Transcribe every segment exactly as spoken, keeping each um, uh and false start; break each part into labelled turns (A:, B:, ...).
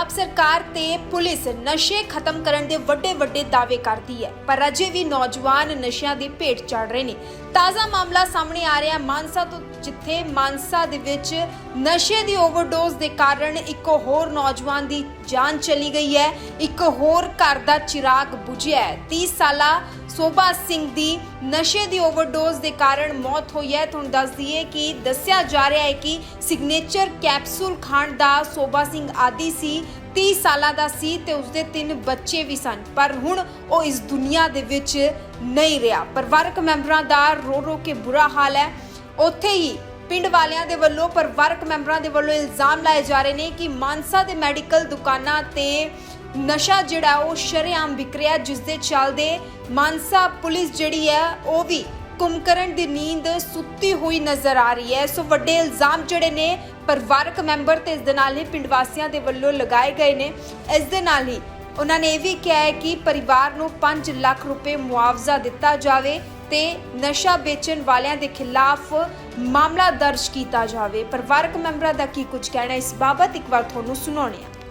A: सरकार ते पुलिस नशे खत्म करन दे वड्डे वड्डे दावे करती है, पर अजे भी नौजवान नशियां दी भेट चढ़ रहे ने। ताज़ा मामला सामने आ रहा है मानसा तो, जिथे मानसा दे विच नशे दी ओवरडोज दे कारण एक होर नौजवान दी जान चली गई है, एक होर घर दा चिराग बुझिया है। तीस साला सोभा सिंह दी नशे दी ओवरडोज दे कारण मौत हुई है। तुहानूं दस दईए कि दस्सिया जा रहा है कि सिग्नेचर कैप्सूल खाण दा सोभा सिंह आदी सी, तीस साल का सी ते उसदे तीन बच्चे भी सन, पर हुण वो इस दुनिया दे विच नहीं रहा। परिवारक मैंबरां दा रो रो के बुरा हाल है। उत्थे ही पिंड वालियां दे वल्लों परिवारक मैंबरां दे वल्लों इल्जाम लाए जा रहे हैं कि मानसा दे मैडिकल दुकानां ते नशा जिहड़ा वो शरेआम विक रिहा, जिस दे चलदे मानसा पुलिस जिहड़ी है वो भी कुंभकर्ण दी नींद सुत्ती हुई नजर आ रही है। सो वड्डे इल्जाम जिहड़े ने परिवारक मैंबर ते इस दे नाल ही पिंड वासियां दे वल्लों लगाए गए ने। इस दे नाल ही उन्होंने ये भी कहा है कि परिवार नूं पांच लाख रुपए मुआवजा दिता जावे ते नशा बेचण वालियां दे खिलाफ मामला दर्ज किया जावे। परिवारक मैंबरां दा की कुछ कहना इस बाबत एक बार तुहानूं सुणाउने आ।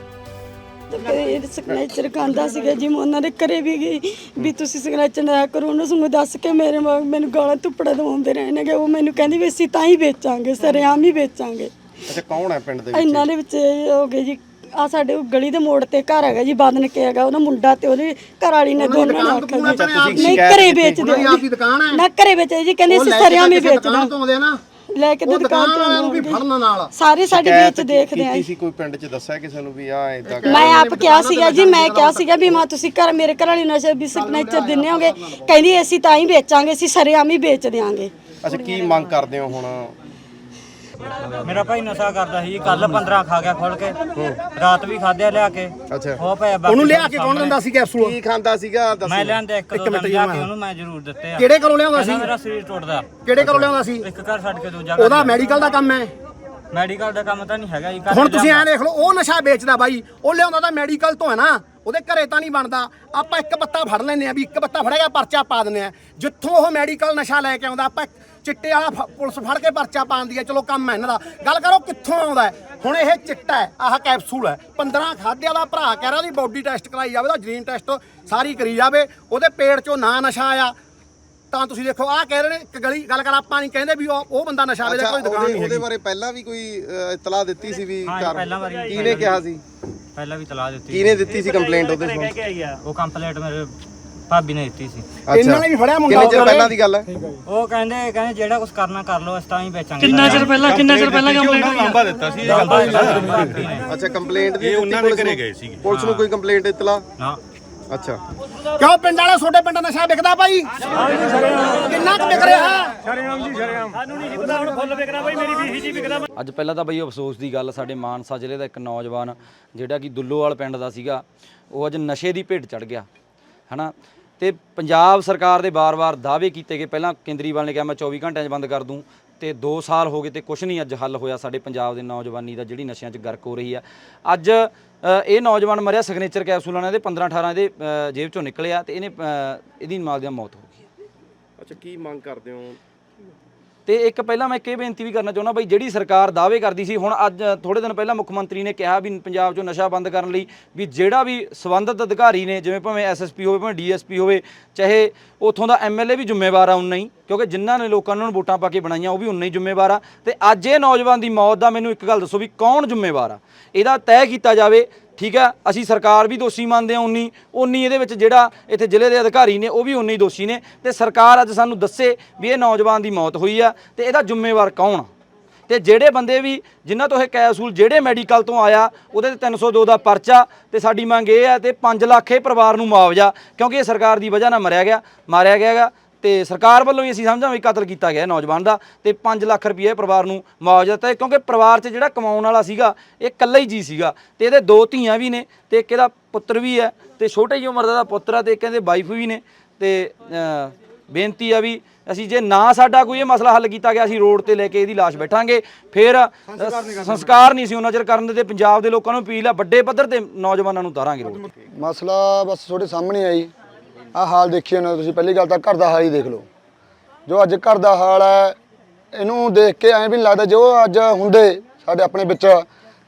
B: सिग्नेचर खांदा सीगा जी, मैं उन्होंने घरे भी गई भी तुसीं सिग्नेचर ना करो, उन्होंने सगों दस के मेरे मैनू गालां धुप्पड़ा दवाउंदे रहने गे। वो मैनू कहंदी भी असीं तां ही बेचांगे, सरेआम ही बेचांगे।
C: अच्छा, कौन है पिंड दे विच?
B: इन्हां दे विच हो गए जी, आ साडे गली दे मोड़ ते घर हैगा जी, बदन के हैगा ओहदा मुंडा ते ओहदी घर वाली ने दोनों ने आखिया जी नहीं घरे बेचदे ना, घरे बेचदे जी, कहंदे असीं सरेआम ही बेचदे लेके दुकान ते भी फड़न नाल सारे साडे बेच देखदे आ।
C: किसी कोई पिंड च दस्सिया किसे नूं भी आ इदां
B: मैं आप क्या सीगा जी, मैं क्या सीगा भी मां तुसीं घर मेरे घर वाली नशे भी सिग्नेचर दिन्ने होगे, कहंदी असीं तां ही बेचांगे, असीं सरेआम ही बेच देंगे।
C: अच्छा, की मंग करदे हो हुण?
D: मेरा भाई नशा करदा ਸੀ ਕੱਲ पंद्रह खा ਗਿਆ ਖੋਲ ਕੇ, ਰਾਤ ਵੀ ਖਾਧਿਆ ਲਿਆ ਕੇ।
C: ਅੱਛਾ,
D: ਉਹ ਪਿਆ
E: ਉਹਨੂੰ ਲਿਆ ਕੇ ਕੌਣ ਦਿੰਦਾ ਸੀ ਕੈਪਸੂਲ?
C: ਕੀ ਖਾਂਦਾ ਸੀਗਾ ਦੱਸੋ।
D: ਮੈਂ ਲਿਆਂਦੇ ਇੱਕ ਦੋ ਦਿਨ ਲਿਆ ਕੇ ਉਹਨੂੰ ਮੈਂ ਜ਼ਰੂਰ ਦਿੱਤੇ ਆ।
E: ਕਿਹੜੇ ਘਰੋਂ ਲਿਆਉਂਦਾ ਸੀ?
D: ਮੇਰਾ ਸਰੀਰ ਟੁੱਟਦਾ।
E: ਕਿਹੜੇ ਘਰੋਂ ਲਿਆਉਂਦਾ ਸੀ?
D: ਇੱਕ ਘਰ ਛੱਡ ਕੇ ਦੂਜਾ
E: ਉਹਦਾ ਮੈਡੀਕਲ ਦਾ ਕੰਮ ਹੈ।
D: ਮੈਡੀਕਲ ਦਾ ਕੰਮ ਤਾਂ ਨਹੀਂ ਹੈਗਾ ਜੀ।
E: ਹੁਣ ਤੁਸੀਂ ਐਂ ਦੇਖ ਲਓ, ਉਹ ਨਸ਼ਾ ਵੇਚਦਾ ਬਾਈ, ਉਹ ਲਿਆਉਂਦਾ ਤਾਂ ਮੈਡੀਕਲ ਤੋਂ ਹੈ ਨਾ, ਉਹਦੇ ਘਰੇ ਤਾਂ ਨਹੀਂ ਬਣਦਾ। ਆਪਾਂ ਇੱਕ ਬੱਤਾ ਫੜ ਲੈਂਦੇ ਆ ਵੀ ਇੱਕ ਬੱਤਾ ਫੜੇਗਾ ਪਰਚਾ ਪਾ ਦਿੰਦੇ ਆ। ਜਿੱਥੋਂ ਉਹ ਮੈਡੀਕਲ ਨਸ਼ਾ ਲੈ ਕੇ ਆਉਂਦਾ ਆਪਾਂ ਚਿੱਟੇ ਵਾਲਾ ਪੁਲਿਸ ਫੜ ਕੇ ਪਰਚਾ ਪਾਉਂਦੀ ਹੈ। ਚਲੋ ਕੰਮ ਹੈ ਇਹਨਾਂ ਦਾ, ਗੱਲ ਕਰੋ ਕਿੱਥੋਂ ਆਉਂਦਾ ਹੈ। ਹੁਣ ਇਹ ਚਿੱਟਾ ਹੈ, ਆਹ ਕੈਪਸੂਲ ਹੈ, ਪੰਦਰਾਂ ਖਾਧਿਆਂ ਦਾ ਭਰਾ ਕਹਿ ਰਿਹਾ ਉਹਦੀ ਬੋਡੀ ਟੈਸਟ ਕਰਾਈ ਜਾਵੇ, ਉਹਦਾ ਜੀਨ ਟੈਸਟ ਸਾਰੀ ਕਰੀ ਜਾਵੇ, ਉਹਦੇ ਪੇਟ 'ਚੋਂ ਨਾ ਨਸ਼ਾ ਆਇਆ ਤਾਂ ਤੁਸੀਂ ਦੇਖੋ ਆਹ ਕਹਿ ਰਹੇ ਨੇ ਇੱਕ ਗਲੀ ਗੱਲ ਕਰ, ਆਪਾਂ ਨਹੀਂ ਕਹਿੰਦੇ ਵੀ ਉਹ ਉਹ ਬੰਦਾ ਨਸ਼ਾ ਵੇਚਦਾ, ਕੋਈ ਦੁਕਾਨ ਨਹੀਂ।
C: ਉਹਦੇ ਬਾਰੇ ਪਹਿਲਾਂ ਵੀ ਕੋਈ ਇਤਲਾਹ ਦਿੱਤੀ ਸੀ ਵੀ
D: ਹਾਂ, ਪਹਿਲਾਂ ਵਾਰੀ
C: ਕਿਹਨੇ ਕਿਹਾ ਸੀ?
D: ਪਹਿਲਾਂ ਵੀ ਤਲਾਹ ਦਿੱਤੀ।
C: ਕਿਹਨੇ ਦਿੱਤੀ ਸੀ ਕੰਪਲੇਂਟ ਉਹਦੇ ਤੋਂ?
D: ਉਹ ਕੰਪਲੇਂਟ ਮੇਰੇ ਭਾਬੀ ਨੇ ਦਿੱਤੀ ਸੀ।
E: ਇਹਨਾਂ ਨੇ ਵੀ ਫੜਿਆ ਮੁੰਡਾ।
C: ਕਿੰਨੇ ਚਿਰ ਪਹਿਲਾਂ ਦੀ ਗੱਲ ਹੈ?
D: ਉਹ ਕਹਿੰਦੇ ਕਹਿੰਦੇ ਜਿਹੜਾ ਕੁਝ ਕਰਨਾ ਕਰ ਲਓ, ਅਸੀਂ ਤਾਂ ਹੀ ਵੇਚਾਂਗੇ।
F: ਕਿੰਨਾ ਚਿਰ ਪਹਿਲਾਂ ਕਿੰਨਾ ਚਿਰ ਪਹਿਲਾਂ ਕੰਪਲੇਂਟ ਹੋਈ?
G: ਲੰਬਾ ਦਿੱਤਾ ਸੀ।
C: ਅੱਛਾ, ਕੰਪਲੇਂਟ ਦੀ
G: ਉਹਨਾਂ ਨੇ ਘਰੇ ਗਏ ਸੀਗੇ।
C: ਪੁਲਿਸ ਨੂੰ ਕੋਈ ਕੰਪਲੇਂਟ ਇਤਲਾਹ?
D: ਨਾ।
C: ਅੱਛਾ,
E: ਕਿਉਂ ਪਿੰਡ ਵਾਲੇ ਛੋਟੇ ਪਿੰਡ ਨਸ਼ਾ ਵਿਕਦਾ ਭਾਈ? ਕਿੰਨਾ ਕੁ ਵਿਕ ਰਿਹਾ?
F: ਸ਼ਰੇਆਮ ਜੀ ਸ਼ਰੇਆਮ, ਸਾਨੂੰ ਨਹੀਂ ਪਤਾ ਹੁਣ ਫੁੱਲ ਵਿਕਦਾ ਭਾਈ, ਮੇਰੀ ਵੀਹ ਜੀ ਵਿਕਦਾ।
H: ਅੱਜ ਪਹਿਲਾਂ ਤਾਂ ਬਈ ਅਫਸੋਸ ਦੀ ਗੱਲ, ਸਾਡੇ ਮਾਨਸਾ ਜ਼ਿਲ੍ਹੇ ਦਾ ਇੱਕ ਨੌਜਵਾਨ ਜਿਹੜਾ ਕਿ ਦੁੱਲੋਵਾਲ ਪਿੰਡ ਦਾ ਸੀਗਾ, ਉਹ ਅੱਜ ਨਸ਼ੇ ਦੀ ਭੇਟ ਚੜ ਗਿਆ ਹੈ ਨਾ। ਤੇ ਪੰਜਾਬ ਸਰਕਾਰ ਦੇ ਵਾਰ-ਵਾਰ ਦਾਅਵੇ ਕੀਤੇ ਗਏ, ਪਹਿਲਾਂ ਕੇਂਦਰੀਵਾਲ ਨੇ ਕਿਹਾ ਮੈਂ ਚੌਵੀ ਘੰਟਿਆਂ 'ਚ ਬੰਦ ਕਰ ਦੂੰ, ਤੇ ਦੋ ਸਾਲ ਹੋ ਗਏ ਤੇ ਕੁਛ ਨਹੀਂ ਅੱਜ ਹੱਲ ਹੋਇਆ ਸਾਡੇ ਪੰਜਾਬ ਦੇ ਨੌਜਵਾਨੀ ਦਾ, ਜਿਹੜੀ ਨਸ਼ਿਆਂ 'ਚ ਗਰਕ ਹੋ ਰਹੀ ਆ। ਅੱਜ ਇਹ ਨੌਜਵਾਨ ਮਰਿਆ ਸਿਗਨੇਚਰ ਕੈਪਸੂਲਾਂ ਨਾਲ, ਇਹਦੇ ਪੰਦਰਾਂ ਅਠਾਰਾਂ ਇਹਦੇ ਜੇਬ 'ਚੋਂ ਨਿਕਲਿਆ ਤੇ ਇਹਨੇ ਇਹਦੀ ਨਾਲ ਦੀ ਮੌਤ ਹੋ ਗਈ।
C: ਅੱਛਾ, ਕੀ ਮੰਗ ਕਰਦੇ ਹੋ?
H: ਤੇ ਇੱਕ ਪਹਿਲਾਂ ਮੈਂ ਇੱਕ ਇਹ ਬੇਨਤੀ ਵੀ ਕਰਨਾ ਚਾਹੁੰਦਾ ਬਈ, ਜਿਹੜੀ ਸਰਕਾਰ ਦਾਅਵੇ ਕਰਦੀ ਸੀ, ਹੁਣ ਅੱਜ ਥੋੜੇ ਦਿਨ ਪਹਿਲਾਂ ਮੁੱਖ ਮੰਤਰੀ ਨੇ ਕਿਹਾ ਵੀ ਪੰਜਾਬ 'ਚੋਂ ਨਸ਼ਾ ਬੰਦ ਕਰਨ ਲਈ ਵੀ ਜਿਹੜਾ ਵੀ ਸੰਬੰਧਿਤ ਅਧਿਕਾਰੀ ਨੇ, ਜਿਵੇਂ ਭਾਵੇਂ ਐਸ ਐਸ ਪੀ ਹੋਵੇ, ਭਾਵੇਂ ਡੀ ਐਸ ਪੀ ਹੋਵੇ, ਚਾਹੇ ਉੱਥੋਂ ਦਾ ਐਮ ਐਲ ਏ ਵੀ ਜ਼ਿੰਮੇਵਾਰ ਆ ਉਨਾ ਹੀ, ਕਿਉਂਕਿ ਜਿਨ੍ਹਾਂ ਨੇ ਲੋਕਾਂ ਨੂੰ ਵੋਟਾਂ ਪਾ ਕੇ ਬਣਾਈਆਂ ਉਹ ਵੀ ਉਨਾ ਹੀ ਜ਼ਿੰਮੇਵਾਰ ਆ। ਤੇ ਅੱਜ ਇਹ ਨੌਜਵਾਨ ਦੀ ਮੌਤ ਦਾ ਮੈਨੂੰ ਇੱਕ ਗੱਲ ਦੱਸੋ ਵੀ ਕੌਣ ਜ਼ਿੰਮੇਵਾਰ ਆ? ਇਹਦਾ ਤੈਅ ਕੀਤਾ ਜਾਵੇ। ਠੀਕ ਹੈ, ਅਸੀਂ ਸਰਕਾਰ ਵੀ ਦੋਸ਼ੀ ਮੰਨਦੇ ਹਾਂ, ਉਨੀ ਉਨੀ ਇਹਦੇ ਵਿੱਚ ਜਿਹੜਾ ਇੱਥੇ ਜ਼ਿਲ੍ਹੇ ਦੇ ਅਧਿਕਾਰੀ ਨੇ ਉਹ ਵੀ ਉਨੇ ਹੀ ਦੋਸ਼ੀ ਨੇ। ਤੇ ਸਰਕਾਰ ਅੱਜ ਸਾਨੂੰ ਦੱਸੇ ਵੀ ਇਹ ਨੌਜਵਾਨ ਦੀ ਮੌਤ ਹੋਈ ਆ ਤੇ ਇਹਦਾ ਜ਼ਿੰਮੇਵਾਰ ਕੌਣ ਆ। ਤੇ ਜਿਹੜੇ ਬੰਦੇ ਵੀ ਜਿਨ੍ਹਾਂ ਤੋਂ ਇਹ ਕੈਪਸੂਲ ਜਿਹੜੇ ਮੈਡੀਕਲ ਤੋਂ ਆਇਆ ਉਹਦੇ ਤੇ ਤਿੰਨ ਸੌ ਦੋ ਦਾ ਪਰਚਾ, ਤੇ ਸਾਡੀ ਮੰਗ ਇਹ ਹੈ ਤੇ ਪੰਜ ਲੱਖ ਇਹ ਪਰਿਵਾਰ ਨੂੰ ਮੁਆਵਜ਼ਾ, ਕਿਉਂਕਿ ਇਹ ਸਰਕਾਰ ਦੀ ਵਜ੍ਹਾ ਨਾਲ ਮਰਿਆ ਗਿਆ ਮਾਰਿਆ ਗਿਆ ਗਾ, ਤੇ ਸਰਕਾਰ ਵੱਲੋਂ ਹੀ ਅਸੀਂ ਸਮਝਾਂ ਵੀ ਕਤਲ ਕੀਤਾ ਗਿਆ ਨੌਜਵਾਨ ਦਾ, ਤੇ ਪੰਜ ਲੱਖ ਰੁਪਏ ਪਰਿਵਾਰ ਨੂੰ ਮੁਆਵਜ਼ਾ ਦਿੱਤਾ, ਕਿਉਂਕਿ ਪਰਿਵਾਰ 'ਚ ਜਿਹੜਾ ਕਮਾਉਣ ਵਾਲਾ ਸੀਗਾ ਇਹ ਇਕੱਲਾ ਹੀ ਜੀ ਸੀਗਾ, ਤੇ ਇਹਦੇ ਦੋ ਧੀਆਂ ਵੀ ਨੇ ਤੇ ਇੱਕ ਇਹਦਾ ਪੁੱਤਰ ਵੀ ਹੈ, ਤੇ ਛੋਟੀ ਜਿਹੀ ਉਮਰ ਦਾ ਪੁੱਤਰ ਆ, ਤੇ ਇੱਕ ਇਹਦੇ ਵਾਈਫ ਵੀ ਨੇ। ਤੇ ਬੇਨਤੀ ਆ ਵੀ ਅਸੀਂ ਜੇ ਨਾ ਸਾਡਾ ਕੋਈ ਇਹ ਮਸਲਾ ਹੱਲ ਕੀਤਾ ਗਿਆ, ਅਸੀਂ ਰੋਡ ਤੇ ਲੈ ਕੇ ਇਹਦੀ ਲਾਸ਼ ਬੈਠਾਂਗੇ, ਫਿਰ ਸੰਸਕਾਰ ਨਹੀਂ ਸੀ ਉਹਨਾਂ ਚਿਰ ਕਰਨ ਦੇ। ਪੰਜਾਬ ਦੇ ਲੋਕਾਂ ਨੂੰ ਅਪੀਲ ਆ, ਵੱਡੇ ਪੱਧਰ ਤੇ ਨੌਜਵਾਨਾਂ ਨੂੰ ਉਤਾਰਾਂਗੇ ਰੋਡ ਤੇ।
I: ਮਸਲਾ ਬਸ ਤੁਹਾਡੇ ਸਾਹਮਣੇ ਆਈ ਆ ਹਾਲ ਦੇਖਿਓ ਨਾ ਤੁਸੀਂ। ਪਹਿਲੀ ਗੱਲ ਤਾਂ ਘਰ ਦਾ ਹਾਲ ਹੀ ਦੇਖ ਲਓ, ਜੋ ਅੱਜ ਘਰ ਦਾ ਹਾਲ ਹੈ, ਇਹਨੂੰ ਦੇਖ ਕੇ ਐਂ ਵੀ ਨਹੀਂ ਲੱਗਦਾ ਜੋ ਅੱਜ ਹੁੰਦੇ ਸਾਡੇ ਆਪਣੇ ਵਿੱਚ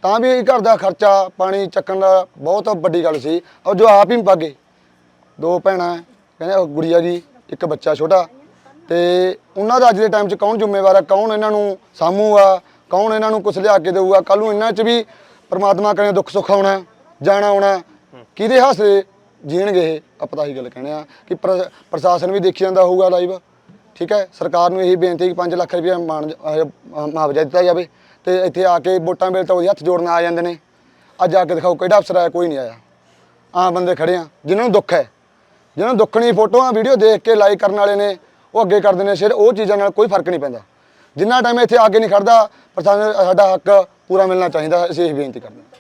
I: ਤਾਂ ਵੀ ਘਰ ਦਾ ਖਰਚਾ ਪਾਣੀ ਚੱਕਣ ਦਾ ਬਹੁਤ ਵੱਡੀ ਗੱਲ ਸੀ। ਔਰ ਜੋ ਆਪ ਹੀ ਭਾਗੇ, ਦੋ ਭੈਣਾਂ ਕਹਿੰਦੇ ਉਹ ਗੁੜੀਆ ਜੀ, ਇੱਕ ਬੱਚਾ ਛੋਟਾ, ਤੇ ਉਹਨਾਂ ਦਾ ਅੱਜ ਦੇ ਟਾਈਮ 'ਚ ਕੌਣ ਜ਼ਿੰਮੇਵਾਰ ਆ, ਕੌਣ ਇਹਨਾਂ ਨੂੰ ਸਾਂਭੂਗਾ, ਕੌਣ ਇਹਨਾਂ ਨੂੰ ਕੁਛ ਲਿਆ ਕੇ ਦੇਊਗਾ। ਕੱਲ ਨੂੰ ਇਹਨਾਂ 'ਚ ਵੀ ਪਰਮਾਤਮਾ ਕਰੇ ਦੁੱਖ ਸੁੱਖ ਆਉਣਾ, ਜਾਣਾ ਆਉਣਾ, ਕਿਹਦੇ ਹਾਸੇ ਜੀਣਗੇ ਇਹ। ਆਪਾਂ ਤਾਂ ਇਹੀ ਗੱਲ ਕਹਿੰਦੇ ਆ ਕਿ ਪ੍ਰ- ਪ੍ਰਸ਼ਾਸਨ ਵੀ ਦੇਖੀ ਜਾਂਦਾ ਹੋਊਗਾ ਲਾਈਵ, ਠੀਕ ਹੈ। ਸਰਕਾਰ ਨੂੰ ਇਹੀ ਬੇਨਤੀ ਕਿ ਪੰਜ ਲੱਖ ਰੁਪਏ ਮਾਣ ਮੁਆਵਜ਼ਾ ਦਿੱਤਾ ਜਾਵੇ, ਤੇ ਇੱਥੇ ਆ ਕੇ ਵੋਟਾਂ ਵੇਲੇ ਤਾਂ ਉਹਦੇ ਹੱਥ ਜੋੜਨ ਆ ਜਾਂਦੇ ਨੇ। ਅੱਜ ਆ ਕੇ ਦਿਖਾਓ ਕਿਹੜਾ ਅਫਸਰ ਆਇਆ, ਕੋਈ ਨਹੀਂ ਆਇਆ। ਆਮ ਬੰਦੇ ਖੜੇ ਆ ਜਿਨ੍ਹਾਂ ਨੂੰ ਦੁੱਖ ਹੈ, ਜਿਹਨਾਂ ਨੂੰ ਦੁੱਖਣੀ ਫੋਟੋਆਂ ਵੀਡੀਓ ਦੇਖ ਕੇ ਲਾਈਕ ਕਰਨ ਵਾਲੇ ਨੇ, ਉਹ ਅੱਗੇ ਕਰਦੇ ਨੇ ਸਿਰ। ਉਹ ਚੀਜ਼ਾਂ ਨਾਲ ਕੋਈ ਫਰਕ ਨਹੀਂ ਪੈਂਦਾ। ਜਿੰਨਾ ਟਾਈਮ ਇੱਥੇ ਆ ਕੇ ਨਹੀਂ ਖੜਦਾ, ਪ੍ਰਸ਼ਾਸਨ ਸਾਡਾ ਹੱਕ ਪੂਰਾ ਮਿਲਣਾ ਚਾਹੀਦਾ। ਅਸੀਂ ਇਹ ਬੇਨਤੀ ਕਰਦੇ ਹਾਂ।